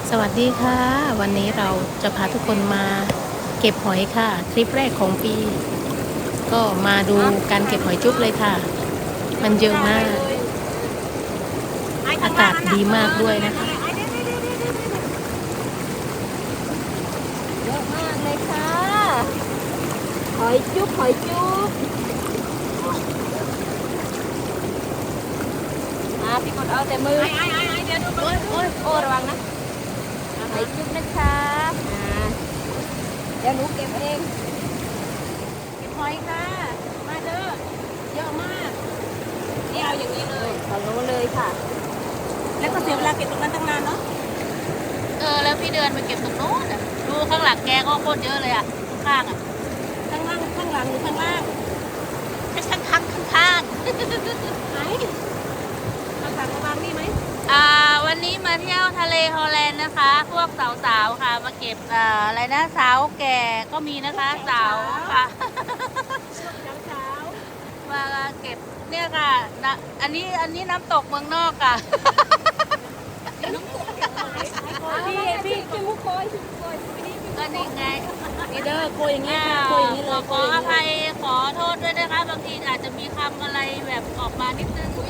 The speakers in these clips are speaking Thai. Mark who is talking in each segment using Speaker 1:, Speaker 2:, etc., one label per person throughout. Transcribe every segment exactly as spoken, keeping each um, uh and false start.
Speaker 1: สวัสดีค่ะ วันนี้เราจะพาทุกคนมาเก็บหอยค่ะ ทริปแรกของปี ก็มาดูการเก็บหอยจุ๊บเลยค่ะ มันเยอะมาก อากาศดีมากด้วยนะคะ
Speaker 2: เยอะมากเลยค่ะ หอยจุ๊บหอยจุ๊บอ่ะพี่กดเอาแต่มือไอ้ไอ้ไอ้เดี๋ยวดูโอ้ยโอ้ยโอ้ระวังนะหอยจุ๊บนะคะอ่าเดี๋ยวหนูเก็บเองเก็บหอยค่ะมาเด้อเยอะมากนี่เอาอย่างนี้เลยขอรู้เลยค่ะ แล้วก็เสียเวลาเก็บตรงนั้นตั้งนานเนาะ
Speaker 3: เออแล้วพี่เดินไปเก็บตรงโน้นอ่ะดูข้างหลังแกก็โคตรเยอะเลยอ่ะข้างๆอ่ะ
Speaker 2: ข้างล่างข้างหลังหรือข้างล่าง
Speaker 3: ข้างข้างข้างข้าง
Speaker 2: ไหนข้างหลังระวังนี่ไหม
Speaker 3: ๆอ่าวันนี้มาเที่ยวทะเลฮอลแลนด์นะคะ พวกสาวๆค่ะมาเก็บอ่าอะไรนะสาวแก่ก็มีนะคะสาวค่ะ
Speaker 2: เช้าเช้า
Speaker 3: มาเก็บเนี่ยค่ะนะอันนี้อันนี้น้ำตกเมืองนอกค่ะ
Speaker 2: พี่พี่พี่มุกโกยพี่มุกโกยพี่นี่พี่
Speaker 3: ก็นี่ไง
Speaker 2: นี่เด้อโกยอย่างเงี้ย
Speaker 3: อ่า
Speaker 2: โกยอย่างนี้
Speaker 3: ข
Speaker 2: เล
Speaker 3: อย ขออภัยขอโทษด้วยนะคะบางทีอาจจะมีคำอะไรแบบออกมานิดนึง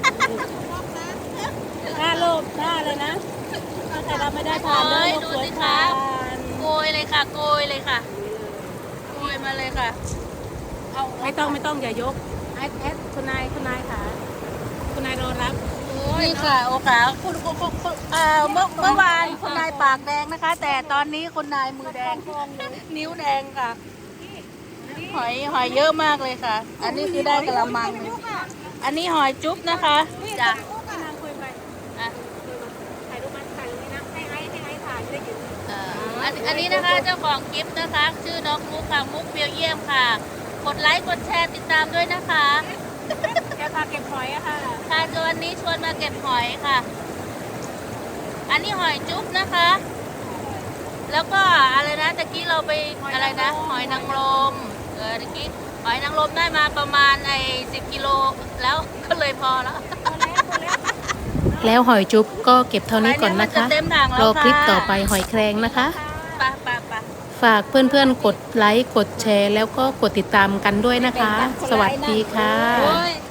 Speaker 2: ถ้าโลภถ้าเลยนะถ้าใครรับไม่ได้ทานเด้อโลภสวยทาน
Speaker 3: โกยเลยค่ะโกยเลยค่ะโกยมาเลยค่ะเอา
Speaker 2: ไม่ต้องไม่ต้องอย่ายกแอดแอดคุณนายคุณนายค่ะคุณนายรอรับ
Speaker 3: นี่ค่ะโอกาสคุณคุณคุณคุณเอ่อเมื่อเมื่อวานคุณนายปากแดงนะคะ แต่ตอนนี้คุณนายมือแดง นิ้วแดงค่ะ หอยหอยเยอะมากเลยค่ะ อันนี้คือได้กระมังหนึ่งอันนี้หอยจุ๊บนะคะจ้ะ
Speaker 2: คุณนางคุยไป
Speaker 3: อ่ะ
Speaker 2: ถ่ายรูปมาถ่ายรูปนี้นะให้ไอ้ให้ไอ้ถ่ายจะได้เห็น
Speaker 3: เอ่ออันอันนี้นะคะเจ้าของคลิปนะคะ ชื่อน้องมุกค่ะมุกเบลเยียมค่ะ กดไลค์กดแชร์ติดตามด้วยนะคะ
Speaker 2: แกพาเก็บหอยอะค่ะ
Speaker 3: ค่ะวันนี้ชวนมาเก็บหอยค่ะ อันนี้หอยจุ๊บนะคะ แล้วก็อะไรนะตะกี้เราไปอะไรนะ หอยนางรมเออตะกี้หอยนางรมได้มาประมาณไอ้สิบกิโลแล้ว ก็เลยพอแล้ว
Speaker 1: แล้วหอยจุ๊บก็เก็บเท่านี้ก่อนนะคะ
Speaker 3: เต็มถัง
Speaker 1: ร
Speaker 3: แล้ว
Speaker 1: อ
Speaker 3: ค่ะ
Speaker 1: คลิปต่อไปหอยแครงนะคะ
Speaker 3: ไปไปไป
Speaker 1: ฝากเพื่อนๆกดไลค์ กดแชร์ แล้วก็กดติดตามกันด้วยนะคะ สวัสดีค่ะ
Speaker 3: โอ้ย